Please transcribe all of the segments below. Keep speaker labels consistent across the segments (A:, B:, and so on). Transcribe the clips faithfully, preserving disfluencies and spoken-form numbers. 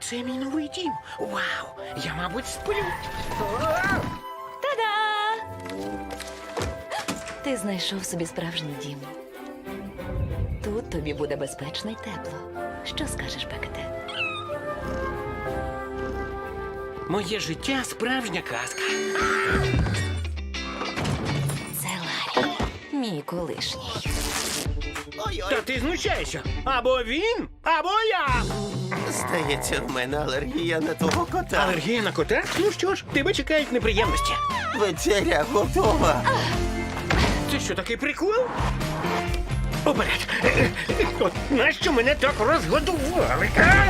A: Це мій новий дім. Вау! Я, мабуть, сплю.
B: Та-да! Ти знайшов собі справжній дім. Тут тобі буде безпечно й тепло. Що скажеш, Бекете?
A: Моє життя справжня казка.
B: Це Ларі, мій колишній.
A: Та ти знущаєшся. Або він, або я.
C: Здається, в мене алергія на того кота.
A: Алергія на кота? Ну що ж, тебе чекають неприємності.
C: Вечеря готова.
A: Це що, такий прикол? Уперед! От нащо мене так розгодували? а?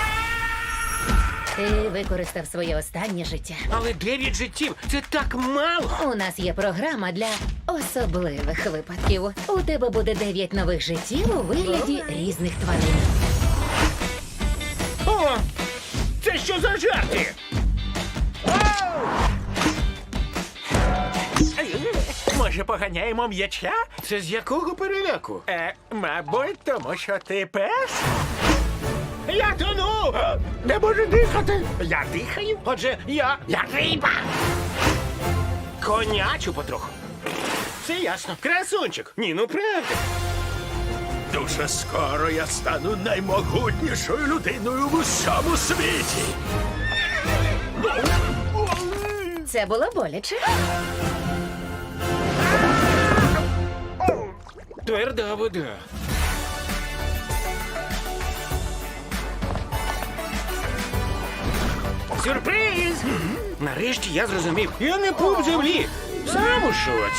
D: Ти використав своє останнє життя.
A: Але дев'ять життів – це так мало.
D: У нас є програма для особливих випадків. У тебе буде дев'ять нових життів у вигляді різних тварин.
A: О! Це що за жарти?
E: Може, поганяємо м'яча?
A: Це з якого переляку?
E: Е, мабуть, тому що ти пес?
A: Я тону!
E: Не можу дихати. Я дихаю.
A: Отже, я... я риба! Конячу потроху. Все ясно. Красунчик. Ні, ну правда.
E: Дуже скоро я стану наймогутнішою людиною в усьому світі.
D: Це було боляче.
A: Тверда вода. Сюрприз! Нарешті я зрозумів. Я не пуп землі. Сам у шоці.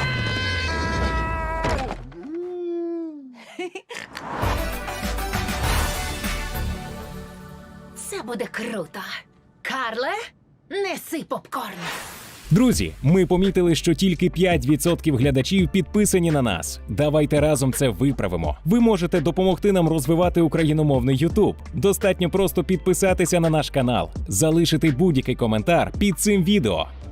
D: Це буде круто. Карле, неси попкорн.
F: Друзі, ми помітили, що тільки п'ять відсотків глядачів підписані на нас. Давайте разом це виправимо. Ви можете допомогти нам розвивати україномовний Ютуб. Достатньо просто підписатися на наш канал, залишити будь-який коментар під цим відео.